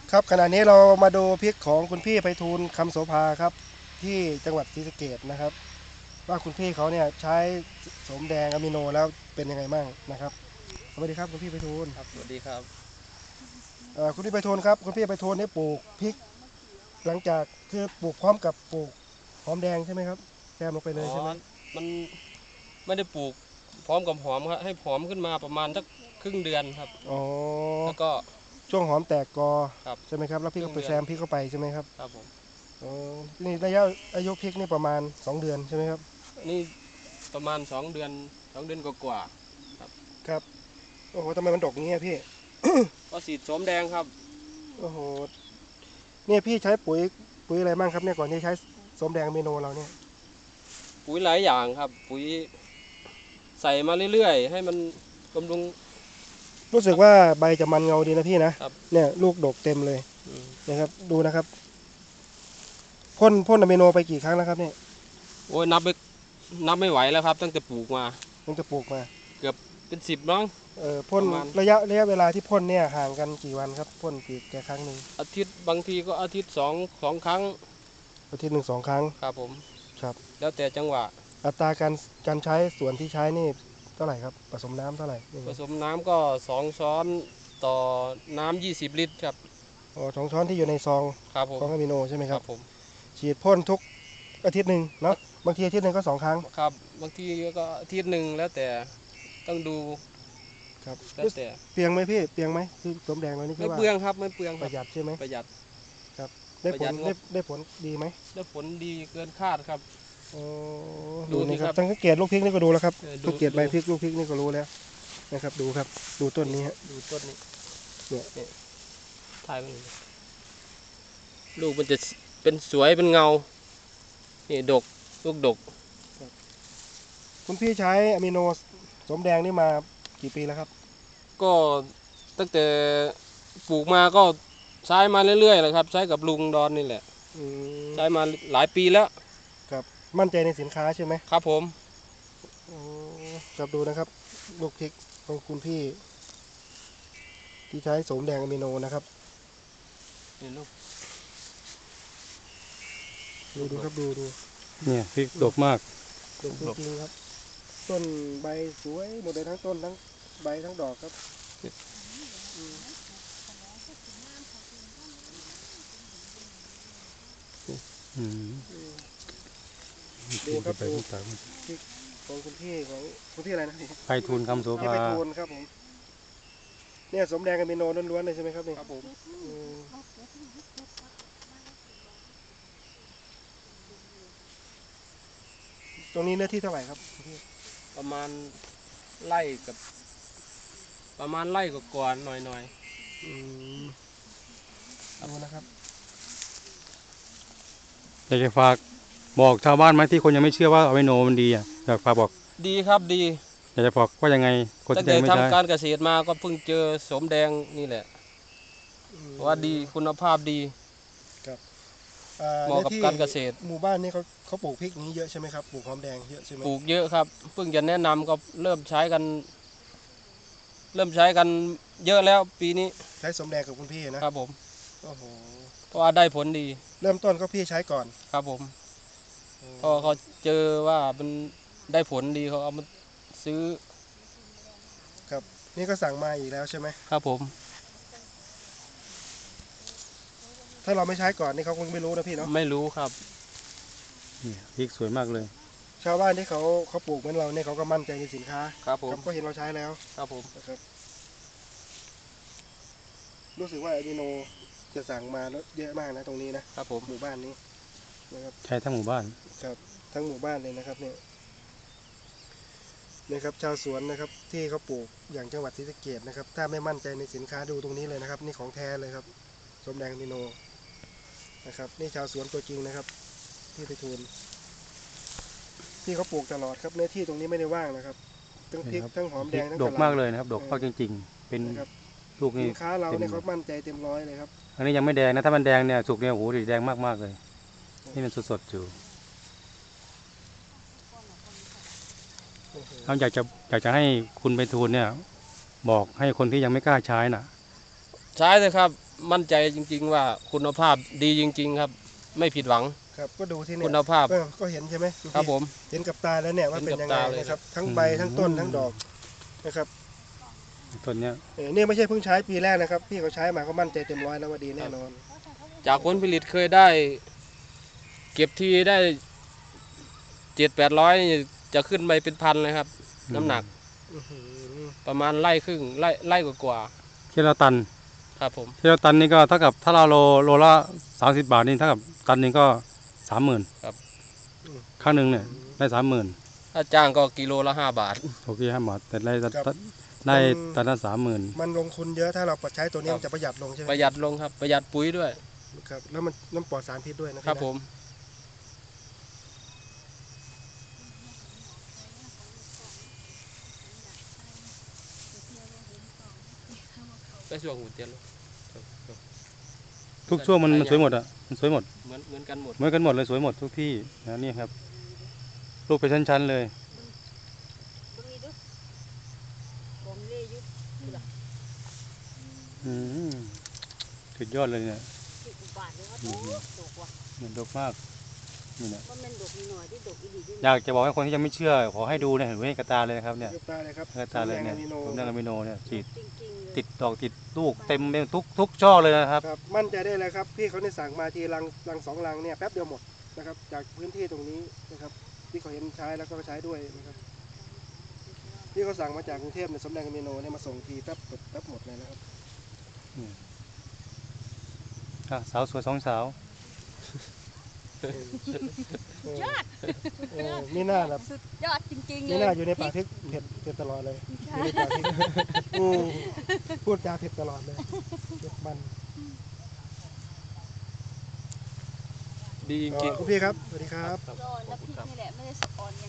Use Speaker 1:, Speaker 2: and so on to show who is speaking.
Speaker 1: ครับขณะนี้เรามาดูพริกของคุณพี่ไพฑูรย์คำโสภาครับที่จังหวัดศรีสะเกษนะครับว่าคุณพี่เขาเนี่ยใช้โสมแดงอะมิโนแล้วเป็นยังไงบ้างนะครับสวัสดีครับคุณพี่ไพฑูรย์
Speaker 2: ครับสวัสดีครับ
Speaker 1: คุณพี่ไพฑูรย์ครับคุณพี่ไพฑูรย์ได้ปลูกพริกหลังจากคือปลูกพร้อมกับปลูกหอมแดงใช่ไหมครับแซมลงไปเล
Speaker 2: อ๋อ
Speaker 1: ยใช่ไหม
Speaker 2: มันไม่ได้ปลูกพร้อมกับหอมครับให้หอมขึ้นมาประมาณสักครึ่งเดือนครับ
Speaker 1: อ๋อ
Speaker 2: แล้วก็
Speaker 1: ช่วงหอมแตกกอ
Speaker 2: ครับ
Speaker 1: ใช่ไหมครับแล้วพี่ก็ไป
Speaker 2: ครึ่งเดือน
Speaker 1: แซมพริกเข้าไปใช่ไหมครับ
Speaker 2: ครับผม
Speaker 1: อ๋อนี่ระยะอายุพริกนี่ประมาณ2 เดือนใช่ไหมครับ
Speaker 2: นี่ประมาณ2 เดือนกว่าๆครับ
Speaker 1: ครับโอ้โหทำไมมันดกอย่างเงี้ยพี่
Speaker 2: ก็สีดโสมแดงครับ
Speaker 1: โอ้โหเนี่ยพี่ใช้ปุ๋ยอะไรบ้างครับเนี่ยก่อนที่ใช้โสมแดงอะมิโนเราเนี่ย
Speaker 2: ปุ๋ยหลายอย่างครับปุ๋ยใส่มาเรื่อยๆให้มันบำรุง
Speaker 1: รู้สึกว่าใบจะมันเงาดีนะพี่นะครับเนี่ยลูกดกเต็มเลย
Speaker 2: อืม
Speaker 1: นะครับดูนะครับพ่นอะมิโนไปกี่ครั้งแล้วครับเนี่ย
Speaker 2: โอ้ยนับไม่ไหวแล้วครับตั้งแต่ปลูกมา
Speaker 1: ตั้งแต่ปลูกมา
Speaker 2: เกือบเป็น10น้อง
Speaker 1: พ่น
Speaker 2: ประมาณ
Speaker 1: ระยะเวลาที่พ่นเนี่ยห่างกันกี่วันครับพ่นกี่ครั้งหนึ่ง
Speaker 2: อาทิตย์บางทีก็อาทิตย์สองครั้ง
Speaker 1: อาทิตย์หนึ่ง2 ครั้ง
Speaker 2: ครับผม
Speaker 1: ครับ
Speaker 2: แล้วแต่จังหวะ
Speaker 1: อัตราการใช้ส่วนที่ใช้นี่เท่าไหร่ครับผสมน้ำเท่าไหร่ยังไง
Speaker 2: ผสมน้ำก็2 ช้อนต่อน้ำ20 ลิตรครับ
Speaker 1: อ๋อ2 ช้อนที่อยู่ในซอง
Speaker 2: ครับผม
Speaker 1: ของอะมิโนใช่ไหมครับ
Speaker 2: ครับผม
Speaker 1: ฉีดพ่นทุกอาทิตย์หนึ่งเนาะบางทีอาทิตย์หนึ่งก็2 ครั้ง
Speaker 2: ครับบางทีก็อาทิตย์หนึ่งแล้วแต่ต้องดู
Speaker 1: ครับ
Speaker 2: แล้วแต่
Speaker 1: เปลียงไหมพี่เปลียงไหมคือสมแดงเรานี่คื
Speaker 2: ไม่
Speaker 1: อว่า
Speaker 2: เปลืองครับไม่เปลือง
Speaker 1: ป
Speaker 2: ครับ
Speaker 1: ระหยัดใช่ไหม
Speaker 2: ประหยัด
Speaker 1: ครับได้ผล
Speaker 2: ประหยัดงบ
Speaker 1: ได้ผลดีไหม
Speaker 2: ได้ผลดีเกินคาดครับ
Speaker 1: โอ้
Speaker 2: ดู
Speaker 1: ดูนะครั
Speaker 2: สิครับ
Speaker 1: บสังเกตลูกพริกนี่ก็ดูแล้วครับ
Speaker 2: ดู
Speaker 1: สังเกตใบพริกลูกพริกนี่ก็รู้แล้วนะครับดูครับดูต้นนี้ฮะ
Speaker 2: ดูต้นนี้
Speaker 1: เนี่ย
Speaker 2: เนี่ยถ่ายมันลูกมันจะเป็นสวยเป็นเงานี่ดกลูกดก
Speaker 1: คุณพี่ใช้อะมิโนสมแดงนี่มากี่ปีแล้วครับ
Speaker 2: ก็ตั้งแต่ปลูกมาก็ใช้มาเรื่อยๆเลยครับใช้กับลุงดอนนี่แหละ
Speaker 1: อืม
Speaker 2: ใช้มาหลายปีแล้ว
Speaker 1: ครับมั่นใจในสินค้าใช่ไหม
Speaker 2: ครับผม
Speaker 1: อ๋อครับดูนะครับลูกพริกของคุณพี่ที่ใช้สมแดงอะมิโนนะครับ
Speaker 2: นี่ลูก
Speaker 1: ดูครับดู
Speaker 3: เนี่ยพริกดกมาก
Speaker 1: ดกจริงๆครับต้นใบสวยหมดเลยทั้งต้นทั้งใบทั้งดอกครับอืม
Speaker 3: อืม
Speaker 1: ดูครับ
Speaker 3: ไป
Speaker 1: ดู
Speaker 3: ทุกทาง
Speaker 1: พริกของคุณพี่ของคุณพี่อะไรนะพี่
Speaker 3: ไพฑูรย์คำโส
Speaker 1: พี่
Speaker 3: ภา
Speaker 1: ไพฑูรย์ครับผมเนี่ยสมแดงอะมิโนล้วนๆเลยใช่ไหมครับนี่
Speaker 2: ครับผม
Speaker 1: อืมตรงนี้เนื้อที่เท่าไหร่ครับคุณพี่
Speaker 2: ประมาณไร่กับประมาณไร่กับก่อนหน่อย
Speaker 1: อืมดูนะครับ
Speaker 3: อยากจะฝากบอกชาวบ้านไหมที่คนยังไม่เชื่อว่าอะมิโนมันดีอ่ะอยากฝากบอก
Speaker 2: ๆดีครับดี
Speaker 3: อยากจะบอกว่ายังไงคน
Speaker 2: ตั้ง
Speaker 3: ที่
Speaker 2: แต่
Speaker 3: ยังไม่ใช้
Speaker 2: ทำการเกษตรมาก็เพิ่งเจอสมแดงนี่แหละว่าดีคุณภาพดีเหมาะกับการเกษตร
Speaker 1: หมู่บ้านนี่เขาปลูกพริกนี้เยอะใช่ไหมครับปลูกหอมแดงเยอะใช่ไหม
Speaker 2: ปลูกเยอะครับเพิ่งจะแนะนำก็เริ่มใช้กันเยอะแล้วปีนี้
Speaker 1: ใช้สมแดงกับคุณพี่นะครับ
Speaker 2: ผม
Speaker 1: โอ้โห
Speaker 2: เพราะว่าได้ผลดี
Speaker 1: เริ่มต้นก็พี่ใช้ก่อน
Speaker 2: ครับผมพอเขาเจอว่ามันได้ผลดีเขาเอามาซื้อ
Speaker 1: ครับนี่ก็สั่งมาอีกแล้วใช่ไหม
Speaker 2: ครับผม
Speaker 1: ถ้าเราไม่ใช้ก่อนนี่เขาคงไม่รู้นะพี่เนาะ
Speaker 2: ไม่รู้ครับ
Speaker 3: เนี่ยพริกสวยมากเลย
Speaker 1: ชาวบ้านที่เขาปลูกเหมือนเราเนี่ยเขาก็มั่นใจในสินค้า
Speaker 2: ครับผม
Speaker 1: ก็เห็นเราใช้แล้ว
Speaker 2: ครับผม
Speaker 1: นะครับรู้สึกว่าอะมิโนจะสั่งมาแล้วเยอะมากนะตรงนี้นะครับ
Speaker 2: ผม
Speaker 1: หมู่บ้านนี้นะครับ
Speaker 3: ใช้ทั้งหมู่บ้าน
Speaker 1: ครับทั้งหมู่บ้านเลยนะครับเนี่ยนะครับชาวสวนนะครับที่เขาปลูกอย่างจังหวัดศรีสะเกษนะครับถ้าไม่มั่นใจในสินค้าดูตรงนี้เลยนะครับนี่ของแท้เลยครับสมแดงอะมิโนนะครับนี่ชาวสวนตัวจริงนะครับที่ไพฑูรย์ที่เขาปลูกตลอดครับเนื้อที่ตรงนี้ไม่ได้ว่างนะครับทั้งพริกทั้งหอมแดงทั้ง
Speaker 3: ด
Speaker 1: กะ
Speaker 3: ก
Speaker 1: หล่ำ
Speaker 3: มากเลยนะครับดกมากจริงๆเป็น
Speaker 1: นะครับ
Speaker 3: ลูกนี่
Speaker 1: สินค้าเราเนี่ยเขามั่นใจเต็มร้อยเลยครับ
Speaker 3: อันนี้ยังไม่แดงนะถ้ามันแดงเนี่ยสุกเนี่ยโอ้โหสีแดงมากๆเลยนี่มันสดๆอยู่เราอยากจะให้คุณไพฑูรย์เนี่ยบอกให้คนที่ยังไม่กล้าใช้น่ะ
Speaker 2: ใช้เลยครับมั่นใจจริง ๆ ว่าคุณภาพดีจริง ๆ ครับ ไม่ผิดหวัง
Speaker 1: ครับก็ดูที่เนี่ย
Speaker 2: คุณภาพ
Speaker 1: ก็เห็นใช่ไหมณ
Speaker 2: ครับ
Speaker 1: พี่
Speaker 2: ผม
Speaker 1: เห็นกับตาแล้วเนี่ยว่าเป็นยังไง
Speaker 2: เห็นกับตาเลย
Speaker 1: นะครับทั้งใบทั้งต้นทั้งดอกนะครับ
Speaker 3: ต้นเนี้ย
Speaker 1: นี่ไม่ใช่เพิ่งใช้ปีแรกนะครับพี่เขาใช้มาเขามั่นใจเต็มร้อยแล้วว่าดีแน่นอน
Speaker 2: จากผลผลิตเคยได้ เก็บทีได้700-800จะขึ้นไปเป็นพันเลยครับ น้ำหนัก
Speaker 1: อื้อหือ
Speaker 2: ประมาณไร่ครึ่งไร่กว่า
Speaker 3: ที่เราตัน
Speaker 2: ๆครับผม
Speaker 3: ที่เราตันนี่ก็เท่ากับถ้าเราโลละ30 บาทนี่เท่ากับตันหนึงก็ 30,000
Speaker 2: ครับ
Speaker 3: ครั้งหนึ่งเนี่ยได้ 30,000
Speaker 2: ถ้าจ้างก็กิโลละ5 บาท
Speaker 3: โอเค5 บาทแต่ได้ตันละ30,000
Speaker 1: มันลงทุนเยอะถ้าเราใช้ตัวนี้
Speaker 2: ครับ
Speaker 1: มันจะประหยัดลงใช่ไหม
Speaker 2: ประหยัดลงครับ ประหยัดปุ๋ยด้วย
Speaker 1: ครับแล้วมันน้ำปลอดสารพิษด้วยนะ
Speaker 2: ครับผม ไปช่วงหุ่นเตียนลูก
Speaker 3: ทุกช่วงมันสวยหมดอ่ะมันสวยหมด
Speaker 2: เหมือนกันหมด
Speaker 3: เหมือนกันหมดเลยสวยหมดทุกที่นะนี่ครับลูกเป็นชั้นๆเลย
Speaker 4: ตรงนี้ดูผมเล่ยุบ
Speaker 3: อืมสุดยอดเลยเนี่ย
Speaker 4: ที่อุบาทเลยว่าดกว่ะ
Speaker 3: มันดกมากนี่นะ
Speaker 4: ว่ามันดกนิดหน่อยที่ดกอีดีด้วย
Speaker 3: อยากจะบอกให้คนที่ยังไม่เชื่อขอให้ดูเนี่ยเห็นไว้ในกระตาเลยนะครับเนี่ย
Speaker 1: ยกตาเลยครับ
Speaker 3: กระตาเลยเนี่ย
Speaker 1: ส
Speaker 3: ผม
Speaker 1: ม
Speaker 3: นั่
Speaker 1: แด
Speaker 3: ง
Speaker 1: ง
Speaker 3: อะมิโนเนี่ยฉีด
Speaker 4: จริงๆเลย
Speaker 3: ติดดอกติดลูกเต็มไปทุกช่อเลยนะครับ
Speaker 1: ครับมั่นใจได้เลยครับพี่เขาได้สั่งมาทีลัง2 ลังเนี่ยแป๊บเดียวหมดนะครับจากพื้นที่ตรงนี้นะครับที่เขาเห็นใช้แล้วก็ใช้ด้วยนะครับพี่เขาสั่งมาจากกรุงเทพเนี่ยสมแดงอะมิโนเนี่ยมาส่งทีแป๊บหมดเลยนะครับ
Speaker 3: สาวสวย2 สาว
Speaker 4: ยอด
Speaker 1: นี่น่าแบบ
Speaker 4: สุดยอดจริงๆเลย
Speaker 1: นี่น่าอยู่ในป่าพริกเผ็ดตลอดเลยอยู่ในป่าพริกพูดจาเผ็ดตลอดเลยเผ็ดมัน
Speaker 2: ดีจริง
Speaker 1: คุณพี่ครับสวัสดีครับ
Speaker 2: ครับ
Speaker 4: รอน้ำพริกนี่แหละไม่ได้สะออนอย่าง